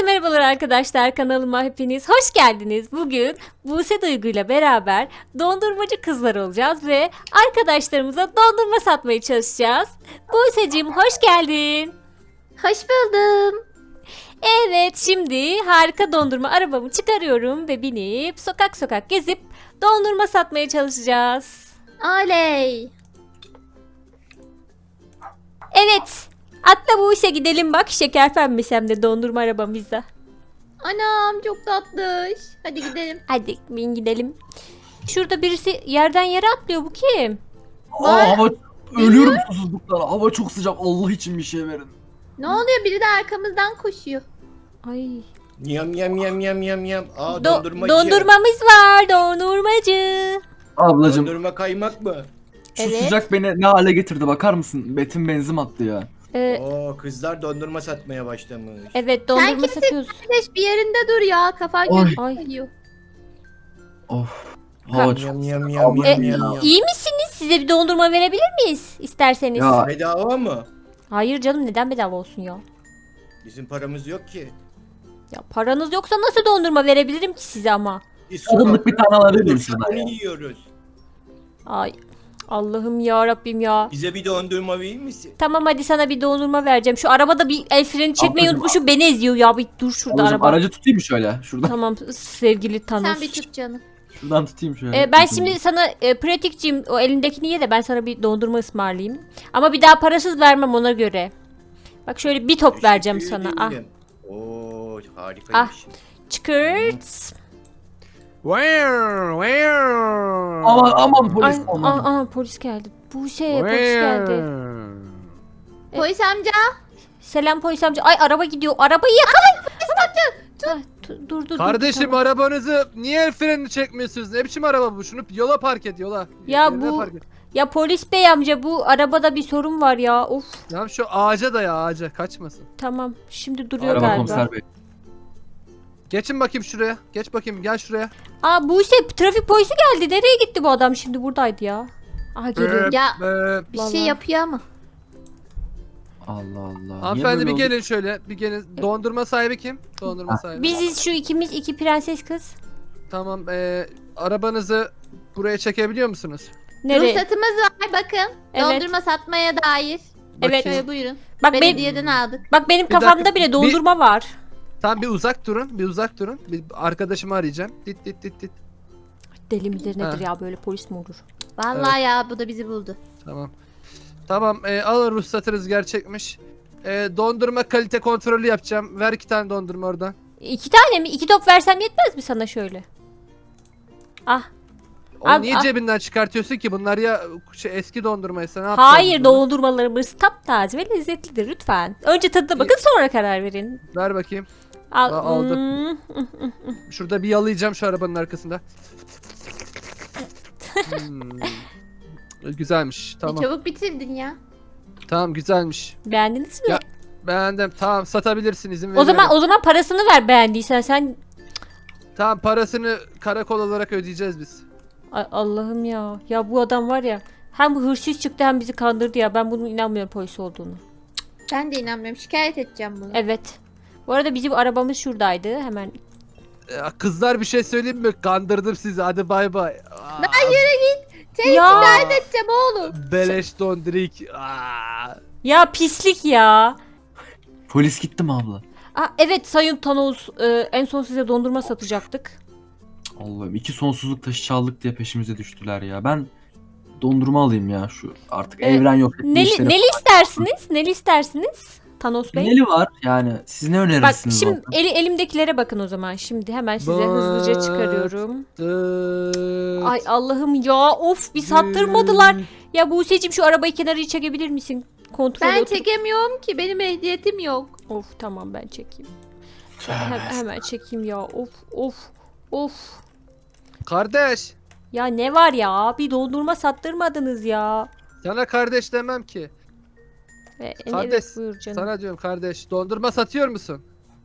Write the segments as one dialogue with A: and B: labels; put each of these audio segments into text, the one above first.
A: merhabalar arkadaşlar, kanalıma hepiniz hoş geldiniz. Bugün Buse Duygu ile beraber dondurmacı kızlar olacağız ve arkadaşlarımıza dondurma satmaya çalışacağız. Buse'cim hoş geldin.
B: Hoş buldum.
A: Evet, şimdi harika dondurma arabamı çıkarıyorum ve binip sokak sokak gezip dondurma satmaya çalışacağız.
B: Oley.
A: Evet, atla Buse, gidelim bak, şeker pembesi hem de dondurma arabamızda.
B: Anam çok tatlış. Hadi gidelim.
A: Hadi bin gidelim. Şurada birisi yerden yere atlıyor, bu kim?
C: Hava ölüyorum susuzluktan. Hava çok sıcak. Allah için bir şey verin.
B: Ne oluyor? Biri de arkamızdan koşuyor.
A: Ay.
D: Yam yam yam yam yam yam. Aa
A: Do-
D: dondurmacı.
A: dondurmamız var, dondurmacı.
C: Ablacım
D: Dondurma kaymak mı?
C: şu
A: Evet.
C: sıcak beni ne hale getirdi bakar mısın? Betim benzin attı ya.
D: Oo kızlar dondurma satmaya başlamış.
A: Evet, dondurma
B: kimsin?
A: satıyoruz.
B: Güneş bir yerinde dur ya. Kafan
C: Oy.
B: gözüküyor.
C: Of. Hava çok
D: Yam yam yam
C: Abla-
D: yam yam yam.
A: İyi misiniz? Size bir dondurma verebilir miyiz isterseniz?
C: Ya.
D: Bedava mı?
A: Hayır canım, neden bedava olsun ya?
D: Bizim paramız yok ki.
A: Ya paranız yoksa nasıl dondurma verebilirim ki size ama?
D: Biz
C: Tadımlık bir tane alabilir miyim
D: sokakta
C: sana ya?
D: yiyoruz.
A: Ay Allah'ım ya Rabbim ya.
D: Bize bir dondurma verir misin?
A: Tamam, hadi sana bir dondurma vereceğim. Şu arabada bir el freni çekmeyi
C: Ablacım,
A: unutmuşum, beni eziyor ya. Bir dur şurada
C: Ablacım,
A: araba.
C: aracı tutayım mı şöyle? Şuradan.
A: Tamam sevgili Thanos.
B: Sen bir tut canım.
C: Şuradan tutayım şöyle.
A: Ben şimdi sana pratikçiyim, o elindekini ye de ben sana bir dondurma ısmarlayayım. Ama bir daha parasız vermem, ona göre. Bak şöyle bir top vereceğim
D: Teşekkür
A: sana. Ah,
D: ederim. Oo harikaymış.
A: çıkırt.
C: Aman polis
A: Ay,
C: aman.
A: polis geldi. Buse, polis geldi.
B: Polis amca.
A: Selam polis amca. Ay, araba gidiyor. Arabayı yakalayın. Ay, dur.
E: Kardeşim
A: tamam.
E: arabanızı niye el frenini çekmiyorsunuz? Ne biçim araba bu? Şunu yola park et yola.
A: Ya
E: Yerine
A: bu-
E: park et.
A: Ya polis bey amca, bu arabada bir sorun var ya. Of,
E: Tamam şu ağaca da ya ağaca kaçmasın.
A: tamam. Şimdi duruyor
C: Araba
A: galiba.
C: komiser bey.
E: Geçin bakayım şuraya. Geç bakayım gel şuraya.
A: Buse, trafik polisi geldi. Nereye gitti bu adam? Şimdi buradaydı ya. Aha, geliyor.
B: Ya bir
A: Vallahi.
B: şey yapıyor ama.
C: Allah Allah. Niye
E: Hanımefendi
C: böyle
E: bir
C: oldu?
E: gelin şöyle. Bir gelin. Dondurma sahibi kim? Dondurma sahibi.
A: Biziz şu ikimiz, iki prenses kız.
E: Tamam arabanızı buraya çekebiliyor musunuz?
A: Nereye?
B: Ruhsatımız var bakın.
A: Evet.
B: Dondurma satmaya dair.
A: Evet.
B: Şöyle buyurun.
A: Bak benim,
B: Belediyeden aldık.
A: bak benim
E: Bir dakika,
A: kafamda bile dondurma var.
E: Tamam bir uzak durun. Bir uzak durun. Bir arkadaşımı arayacağım. Dit.
A: Deli midir nedir
E: Ha.
A: ya, böyle polis mi olur?
B: Vallahi ya bu da bizi buldu.
E: Tamam. Tamam alın ruhsatınız gerçekmiş. Dondurma kalite kontrolü yapacağım. Ver 2 tane dondurma oradan.
A: 2 tane mi? 2 top versem yetmez mi sana şöyle? Ah.
E: Onu
A: Al,
E: niye
A: al.
E: cebinden çıkartıyorsun ki? Bunlar ya eski dondurmaysa ne yapacaksın?
A: Hayır,
E: bunu?
A: dondurmalarımız taptaze ve lezzetlidir lütfen. Önce tadına bakın, sonra karar verin.
E: Ver bakayım.
A: Al.
E: Aldım.
A: Hmm.
E: Şurada bir yalayacağım şu arabanın arkasında. Hmm. Güzelmiş. Tamam.
B: Çabuk bitirdin ya.
E: Tamam güzelmiş.
A: Beğendiniz mi?
E: Ya, Beğendim. Tamam satabilirsin izin
A: o
E: veriyorum.
A: zaman parasını ver beğendiysen sen.
E: Tamam parasını karakol olarak ödeyeceğiz biz.
A: Ay, Allah'ım ya. Ya bu adam var ya. Hem bu hırsız çıktı hem bizi kandırdı ya. Ben bunun inanmıyorum polis olduğunu.
B: Ben de inanmıyorum. Şikayet edeceğim bunu.
A: Evet. Bu arada bizim arabamız şuradaydı. Hemen.
E: Kızlar bir şey söyleyeyim mi? Kandırdım sizi. Hadi bay bay. Aa,
B: Seni
A: Ya.
B: şikayet edeceğim oğlum.
E: Beleş dondurik. Aa.
A: Ya pislik ya.
C: Polis gitti mi abla?
A: Evet Sayın Thanos, en son size dondurma satacaktık.
C: Allah'ım 2 sonsuzluk taşı çaldık diye peşimize düştüler ya. Ben dondurma alayım ya şu artık evren yok etme
A: Neli,
C: işleri.
A: neli istersiniz? Neli istersiniz? Thanos Bey.
C: Neli var yani siz ne
A: Bak
C: önerirsiniz?
A: şimdi
C: abla?
A: elimdekilere bakın o zaman. Şimdi hemen size hızlıca
E: Bak.
A: çıkarıyorum.
E: Dıt.
A: Ay Allah'ım ya, of, bir sattırmadılar. Ya Buse'cim, şu arabayı kenara çekebilir misin? Kontrol
B: Ben
A: otur.
B: çekemiyorum ki. Benim ehliyetim yok.
A: Of tamam, ben çekeyim.
C: Tövbe
A: Hemen çekeyim ya. Of.
E: Kardeş.
A: Ya ne var ya? Bir dondurma sattırmadınız ya.
E: Sana kardeş demem ki. Kardeş,
A: Evet, buyur canım.
E: Sana diyorum kardeş. Dondurma satıyor musun?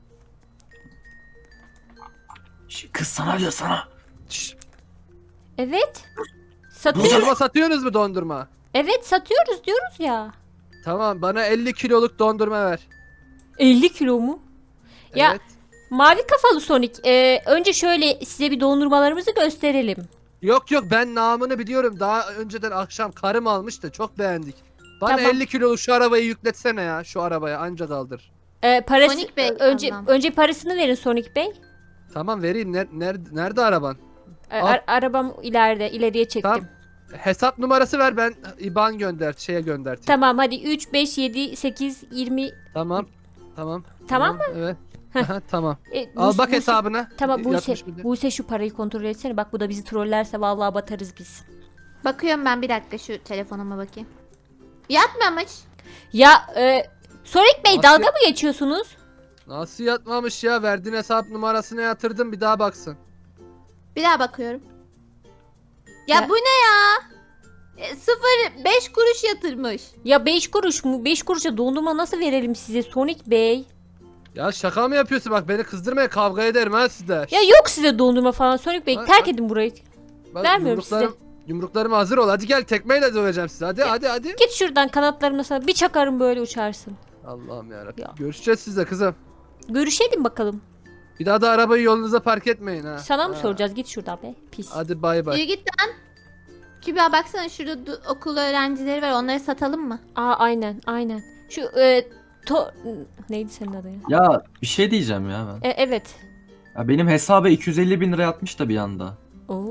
C: Kız sana diyor sana.
E: Şşş,
A: Evet. Satıyoruz.
E: Dondurma satıyorsunuz mu dondurma?
A: Evet, satıyoruz diyoruz ya.
E: Tamam bana 50 kiloluk dondurma ver.
A: 50 kilo mu? Ya,
E: Evet.
A: Mavi kafalı Sonic. Önce şöyle size bir dondurmalarımızı gösterelim.
E: Yok yok, ben namını biliyorum. Daha önceden akşam karım almış da çok beğendik. Bana
A: Tamam.
E: 50 kiloluk şu arabayı yükletsene ya, şu arabaya anca kaldır.
A: Parası,
B: Sonic Bey,
A: önce
B: tamam.
A: önce parasını verin Sonic Bey.
E: Tamam vereyim. Nerede araban? Al.
A: Arabam ileriye çektim.
E: Tamam. Hesap numarası ver, ben IBAN gönderteyim.
A: Tamam hadi 3, 5, 7, 8, 20.
E: Tamam. Tamam.
A: Tamam mı?
E: Evet.
A: Heh.
E: Aha, tamam.
A: Buse-
E: Al bak
A: Buse-
E: hesabına.
A: Tamam Buse,
E: Yatmış bir de.
A: Buse şu parayı kontrol etsene. Bak bu da bizi trollerse vallahi batarız biz.
B: Bakıyorum ben, bir dakika şu telefonuma bakayım. Yatmamış.
A: Ya Sonic Bey
E: Nasıl-
A: dalga mı geçiyorsunuz?
E: Nasıl yatmamış ya? Verdiğin hesap numarasına yatırdım, bir daha baksın.
B: Bir daha bakıyorum. Ya
A: Ya-
B: bu ne ya? 0,5 kuruş yatırmış.
A: Ya 5 kuruş mu? 5 kuruşa dondurma nasıl verelim size Sonic Bey?
E: Ya şaka mı yapıyorsun? Bak beni kızdırmaya, kavga ederim ha sizde.
A: Ya yok size dondurma falan Sonic Bey.
E: Bak-
A: Terk edin burayı.
E: Bak,
A: vermiyorum
E: Yumruklarım hazır ol. Hadi gel, tekmeyle döveceğim sizi. Hadi hadi hadi.
A: Git şuradan, kanatlarımla sana bir çakarım böyle uçarsın.
E: Allah'ım yarabbim.
A: Ya.
E: Görüşeceğiz sizle kızım.
A: Görüşelim bakalım.
E: Bir daha da arabayı yolunuza park etmeyin ha.
A: Sana mı
E: Ha.
A: soracağız? Git şuradan be. Pis.
E: Hadi bay bay.
B: Yürü git lan. Kübra baksana, şurada okul öğrencileri var, onları satalım mı?
A: Aynen. Şu neydi senin adın ya?
C: Ya bir şey diyeceğim ya ben.
A: Evet.
C: Ya benim hesaba 250 bin lira yatmış da bir anda.
A: Oo.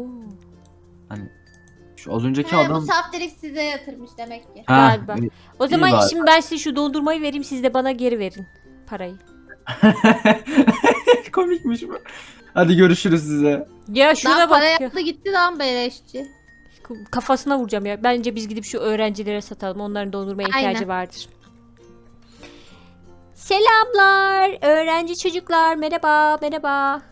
C: Şu az önceki
B: He, bu
C: adam...
B: saftirik size yatırmış demek ki.
C: Ha,
A: Galiba. O zaman
C: bari.
A: şimdi ben size şu dondurmayı vereyim, siz de bana geri verin parayı.
C: Komikmiş bu. Hadi görüşürüz size.
A: Ya şuna
B: Lan
A: bak
B: para
A: ya.
B: yaptı gitti lan beleşçi.
A: Kafasına vuracağım ya. Bence biz gidip şu öğrencilere satalım. Onların dondurmaya ihtiyacı
B: Aynen.
A: vardır. Selamlar. Öğrenci çocuklar. Merhaba.
B: Merhaba.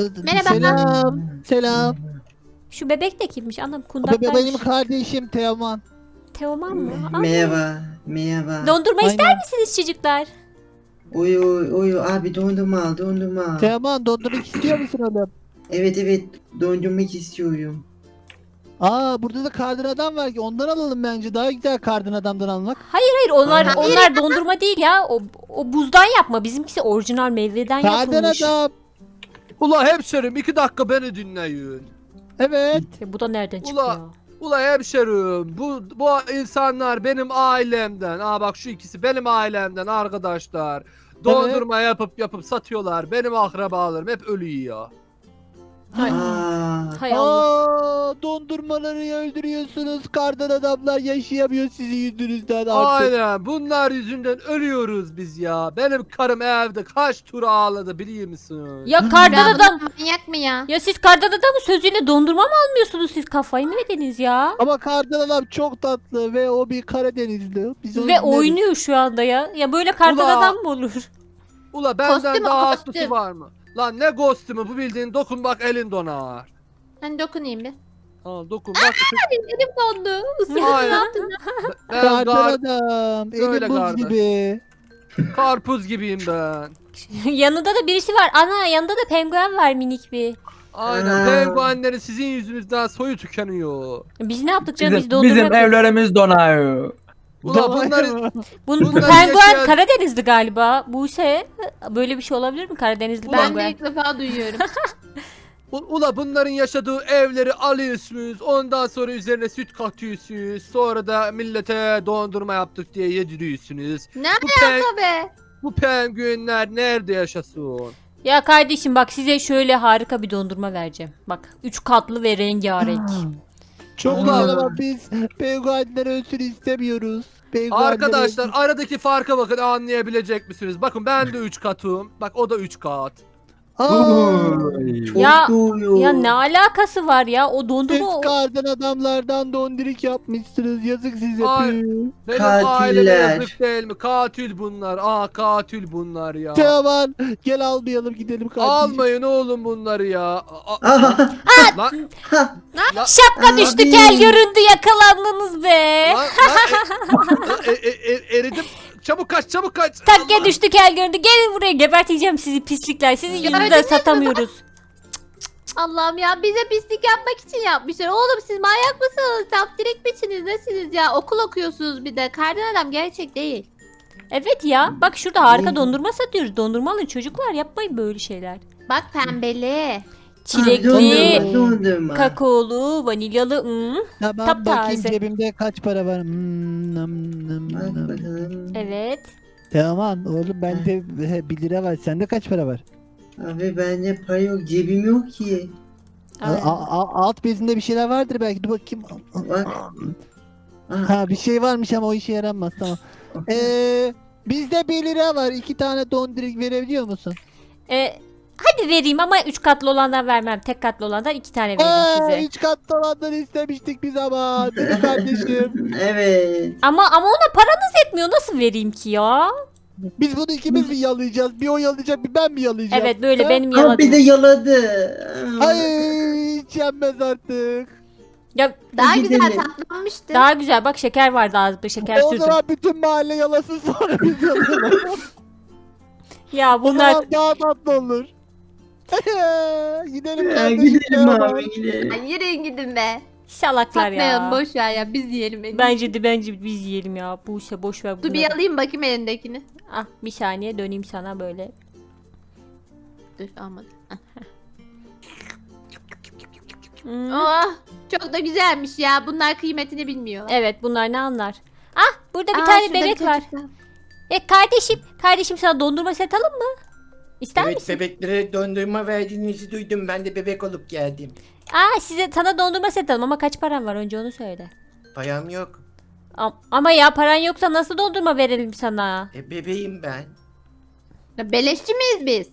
F: Selam.
A: Şu bebek de kimmiş? Anam
F: Bu
A: kundaktaymış.
F: benim kardeşim Teoman.
A: Teoman mı? Aa.
G: Merhaba.
A: Dondurma ister
F: Aynen.
A: misiniz çocuklar?
G: Uyu abi dondurma al dondurma.
F: Teoman dondurmak istiyor musun oğlum?
G: Evet dondurmak istiyorum.
F: Aa burada da kardan adam var ki ondan alalım bence. Daha güzel kardan adamdan almak.
A: Hayır onlar
G: Aa.
A: onlar dondurma değil ya. O buzdan yapma. Bizimkisi orijinal meyveden
F: Kardan
A: yapılmış.
F: adam.
E: Ula hemşerim 2 dakika beni dinleyin.
F: Evet.
A: Bu da nereden çıktı
E: Ula.
A: ya?
E: Ula hemşerim bu insanlar benim ailemden. Aa bak şu ikisi benim ailemden arkadaşlar. Dondurma yapıp satıyorlar. Benim akrabalarım hep ölü yiyor.
G: Aa,
A: Hay Allah.
F: Aa dondurmaları öldürüyorsunuz. Kardan adamlar yaşayamıyor sizin yüzünüzden artık.
E: Aynen bunlar yüzünden ölüyoruz biz ya. Benim karım evde kaç tur ağladı biliyor musun?
A: Ya kardan
B: Ya
A: adam.
B: manyak mı ya?
A: Ya siz kardan adamın sözüyle dondurma mı almıyorsunuz? Siz kafayı mı yediniz ya?
F: Ama kardan adam çok tatlı ve o bir Karadenizli. Biz onu
A: Ve
F: dinleriz.
A: oynuyor şu anda ya. Ya böyle kardan
E: Ula.
A: adam mı olur?
E: Ula benden
B: Kostüm o,
E: daha
B: kostüm.
E: haklısı var mı? Lan ne kostümü bu, bildiğin dokun bak elin donar.
B: Hani dokunayım bir.
E: Al dokun bak.
B: Elim dondu. Isırdım, ne
E: Aynen.
B: yaptın?
E: Ben
F: Kardan adam.
E: Öyle
F: Elim buz
E: kardan.
F: gibi.
E: karpuz gibiyim ben.
A: Yanında da birisi var. Ana yanında da penguen var minik bir.
E: Aynen
G: Aa.
E: penguenlerin sizin yüzünüzden soyu tükeniyor.
A: Biz ne yaptık canım? Biz
C: Bizim,
A: dondurma
C: bizim
A: yapıyoruz.
C: evlerimiz donar.
E: Ula bunları
A: Bu
E: bunlar
A: penguen
E: yaşayan-
A: Karadenizli galiba. Buse böyle bir şey olabilir mi? Karadenizli
B: Ben de
A: penguen.
B: ilk defa duyuyorum.
E: Ula bunların yaşadığı evleri alıyorsunuz. Ondan sonra üzerine süt katıyorsunuz. Sonra da millete dondurma yaptık diye yediriyorsunuz.
B: Ne
E: Bu, pen-
B: alaka be?
E: bu penguenler nerede yaşasın?
A: Ya kardeşim bak size şöyle harika bir dondurma vereceğim. Bak 3 katlı ve rengarenk.
F: Çok
E: Ulan.
F: güzel ama biz penguenler ölsün istemiyoruz. Penguenler
E: Arkadaşlar
F: ölsün.
E: aradaki farka bakın, anlayabilecek misiniz? Bakın ben de 3 katım. Bak o da 3 kat.
F: Aa,
G: çok
A: Ya-
G: doğuyor.
A: Ya ne alakası var ya? O
F: siz
A: dondurma
F: kardan adamlardan dondirik yapmışsınız. Yazık size.
E: Ay.
F: Püh.
E: Benim
G: Katiller.
E: aileme yazık değil mi? Katil bunlar. Aa katil bunlar ya.
F: Teoman gel almayalım gidelim kardeşim.
E: Almayın oğlum bunları ya.
G: Aha,
E: Lan,
G: ha,
A: şapka düştü,
G: Abi.
A: kel göründü, yakalandınız be.
E: eridim. Çabuk kaç, çabuk kaç.
A: Takke
E: Allah.
A: düştü, kel göründü. Gelin buraya, geberteceğim sizi pislikler. Sizin yüzünüzden
B: Gördünüz mü?
A: satamıyoruz.
B: Allah'ım ya, bize pislik yapmak için yapmışlar. Oğlum siz manyak mısınız? Saftirik biçiniz nesiniz ya? Okul okuyorsunuz bir de. Kardan adam gerçek değil.
A: Evet ya. Bak şurada harika
G: Ne?
A: dondurma satıyoruz. Dondurma alın çocuklar. Yapmayın böyle şeyler.
B: Bak pembeli.
A: Çilekli,
G: Dondurma.
A: kakaolu, vanilyalı.
F: Tamam
A: Taptaze.
F: bakayım cebimde kaç para var. Nam, nam,
G: Bak
F: nam.
G: bakalım.
A: Evet.
F: Tamam oğlum bende 1 lira var. Sende kaç para var?
G: Abi bende para yok. Cebim yok ki.
A: Aynen.
F: Alt bezinde bir şeyler vardır belki. Dur bakayım.
G: Bak. Ah,
F: Ha bir şey varmış ama o işe yaramaz tamam. Bizde 1 lira var. 2 tane dondurik verebiliyor musun?
A: Hadi vereyim ama 3 katlı olandan vermem. Tek katlı olandan 2 tane vereyim size.
F: 3 katlı olanları istemiştik biz ama. Değil mi kardeşim?
G: evet.
A: Ama ona paranız yetmiyor. Nasıl vereyim ki ya?
F: Biz bunu ikimiz mi yalayacağız? Bir o yalayacak bir ben mi yalayacağım?
A: Evet böyle
F: Ha?
A: benim
G: Ha bir de
A: yaladığım.
G: yaladı.
F: Ay hiç yenmez artık.
A: Ya
B: Daha
G: Gidelim.
B: güzel tatlanmıştı.
A: daha güzel bak şeker vardı ağzımda şeker
F: O
A: sürdüm.
F: zaman bütün mahalle yalasın sonra biz yalayalım.
A: Ya
F: O
A: bunlar
F: zaman daha tatlı olur. Gidelim
G: Ya,
F: kardeşim.
G: gidelim
F: ya.
G: abi gidelim.
B: Ay, yürüyün gidin be.
A: salaklar
B: Satmayalım
A: ya.
B: boş ver ya biz yiyelim. en iyisi.
A: Bence biz yiyelim ya. Bu işe boş ver
B: Dur
A: bunları.
B: bir alayım bakayım elindekini.
A: Ah bir saniye döneyim sana böyle.
B: Dur almadım. Hah.
A: Hmm.
B: Oh, çok da güzelmiş ya. Bunlar kıymetini bilmiyorlar.
A: Evet bunlar ne anlar? Ah burada bir
B: Aa,
A: tane
B: şurada bir
A: bebek var.
B: çocuk var.
A: Kardeşim sana dondurma set alalım mı? İster
D: Evet
A: misin?
D: bebeklere dondurma verdiğinizi duydum. Ben de bebek olup geldim.
A: Sana dondurma set alalım ama kaç paran var önce onu söyle.
D: Param yok.
A: Ama ya paran yoksa nasıl dondurma verelim sana?
D: Bebeğim ben.
B: Ya, beleşçi miyiz biz?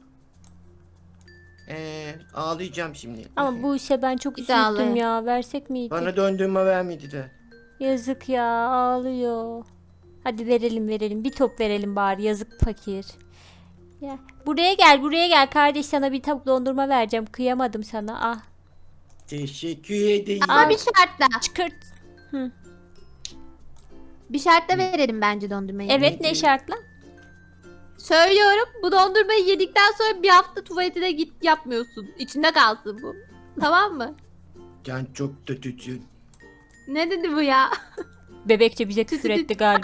D: Ağlayacağım şimdi.
A: Ama bu işe ben çok
B: Bir de ağlıyor.
A: üzüldüm ya. Versek miydik?
D: Bana dondurma vermediler.
A: Yazık ya ağlıyor. Hadi verelim. Bir top verelim bari yazık fakir. Ya buraya gel kardeş sana bir top dondurma vereceğim. Kıyamadım sana. Ah
D: Teşekkür ederim.
B: Ama bir şartla.
A: çıkırt.
B: Bir şartla verelim bence dondurmayı.
A: Evet ne şartla?
B: Söylüyorum bu dondurmayı yedikten sonra bir hafta tuvaletine git yapmıyorsun. İçinde kalsın bu. Tamam mı?
D: Can çok kötüsün.
B: Ne dedi bu ya?
A: Bebekçe bize küfür etti galiba.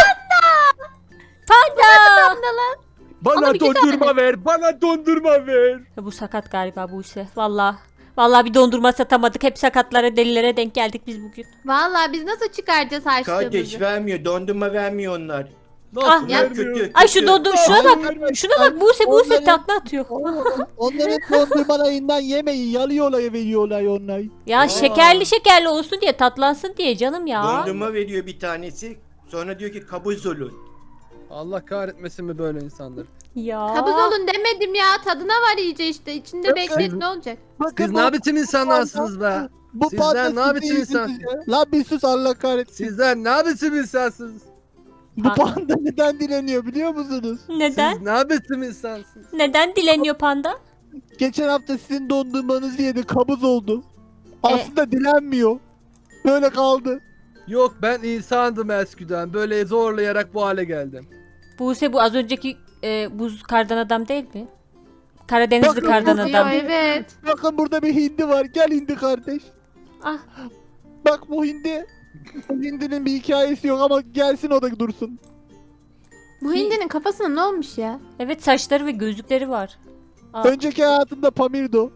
A: Panda!
E: Bana
B: Oğlum, 2
E: dondurma ver. Bana dondurma ver.
A: Ya bu sakat galiba bu işe. Vallahi bir dondurma satamadık. Hep sakatlara delilere denk geldik biz bugün.
B: Vallahi biz nasıl çıkaracağız
D: Kardeş
B: harçlığımızı?
D: vermiyor. Dondurma vermiyor onlar.
E: Nasıl
A: Ah,
D: Bunlar
E: vermiyor?
D: kötü.
A: Ay şu
D: kötü.
A: şuna bak.
F: Ay,
A: Şuna bak Buse
F: onların-
A: takla atıyor.
F: Onların dondurmalarından yemeyin. Yalıyorlar veriyorlar onlar.
A: Ya
D: Aa.
A: şekerli olsun diye tatlansın diye canım ya.
D: Dondurma veriyor bir tanesi. Sonra diyor ki kabuz olun.
E: Allah kahretmesin mi böyle insanlar?
A: Ya.
B: Kabız olun demedim ya. Tadına var iyice işte. İçinde beklet ne olacak?
F: Bakın
E: Siz ne biçim insanlarsınız be?
F: Bu
E: Sizler
F: panda
E: ne biçim
F: sizin
E: insan?
F: yüzünüzden. Lan bir sus Allah kahretsin.
E: Sizler ne biçim insansınız?
F: Bu panda neden dileniyor biliyor musunuz?
A: Neden?
E: Siz ne biçim insansınız?
A: Neden dileniyor panda?
F: Geçen hafta sizin dondurmanızı yedi kabız oldu. Aslında dilenmiyor. Böyle kaldı.
E: Yok ben insandım eskiden. Böyle zorlayarak bu hale geldim.
A: Buse bu az önceki buz kardan adam değil mi? Karadenizli
F: Bakın,
A: kardan
F: Buse
B: Ya,
A: adam.
B: evet.
F: Bakın burada bir hindi var. Gel hindi kardeş.
A: Ah.
F: Bak bu hindi. Bu hindinin bir hikayesi yok ama gelsin o da dursun.
B: Bu hindinin kafasına ne olmuş ya?
A: Evet saçları ve gözlükleri var. Aa.
F: Önceki hayatında Pamir'do.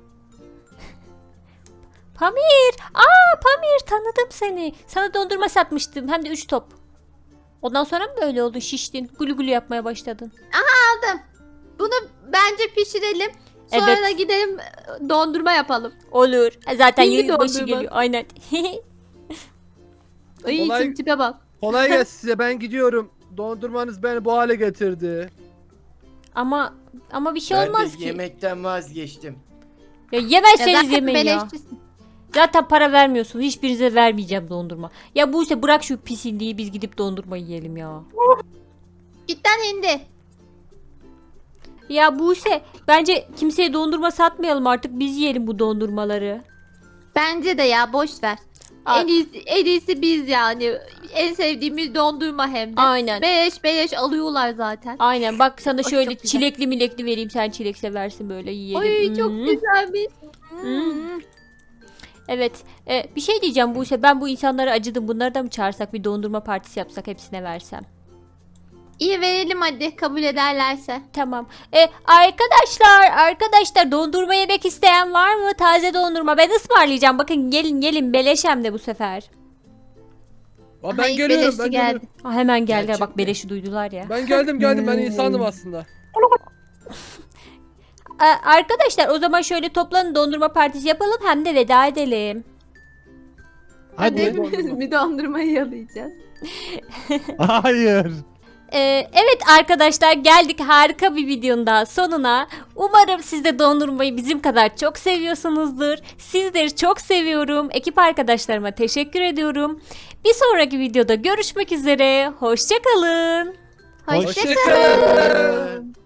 A: Pamir tanıdım seni. Sana dondurma satmıştım hem de 3 top. Ondan sonra mı böyle oldun şiştin? Gülü gülü yapmaya başladın.
B: Bunu bence pişirelim. Sonra
A: Evet.
B: da gidelim dondurma yapalım.
A: Olur. Zaten
B: Hindi
A: yılbaşı
B: dondurma.
A: geliyor. Aynen.
B: Ay
E: Olay-
B: için tipe bak.
E: Kolay gelsin size ben gidiyorum. Dondurmanız beni bu hale getirdi.
A: ama bir şey
D: Ben
A: olmaz
D: de
A: ki.
D: yemekten vazgeçtim.
A: Ya
B: Ya
A: yemezseniz
B: zaten
A: yemeyin ya.
B: beleşçisin.
A: Zaten para vermiyorsun. Hiçbirinize vermeyeceğim dondurma. Ya Buse bırak şu pis hindiyi biz gidip dondurma yiyelim ya.
B: Gitten hindi.
A: Ya Buse bence kimseye dondurma satmayalım artık biz yiyelim bu dondurmaları.
B: Bence de ya boş ver.
A: Aa.
B: En iyisi biz yani. En sevdiğimiz dondurma hem de.
A: Aynen.
B: Beleş alıyorlar zaten.
A: Aynen bak sana
B: Ay,
A: şöyle
B: çok güzel.
A: çilekli milekli vereyim sen çilek seversin böyle yiyelim.
B: Ay çok
A: Hmm.
B: güzelmiş.
A: Hmm. Evet bir şey diyeceğim Buse ben bu insanlara acıdım bunları da mı çağırsak bir dondurma partisi yapsak hepsine versem.
B: İyi verelim hadi kabul ederlerse.
A: Tamam. Arkadaşlar dondurma yemek isteyen var mı? Taze dondurma. Ben ısmarlayacağım. Bakın gelin beleş hem de bu sefer.
E: Ben
B: Hayır,
E: geliyorum
B: beleşti
E: ben
B: geldi.
E: geliyorum.
A: Hemen geldiler.
D: Gerçek
A: Bak
D: mi?
A: beleşi duydular ya.
E: Ben geldim ben insandım aslında.
A: Arkadaşlar o zaman şöyle toplanın, dondurma partisi yapalım hem de veda edelim.
B: Hadi
F: Hadi.
B: hepimiz bir dondurmayı yalayacağız.
F: Hayır.
A: Evet arkadaşlar, geldik harika bir videonun daha sonuna. Umarım siz de dondurmayı bizim kadar çok seviyorsunuzdur. Sizleri çok seviyorum. Ekip arkadaşlarıma teşekkür ediyorum. Bir sonraki videoda görüşmek üzere. Hoşça kalın.
B: Hoşça
E: Hoşçakalın.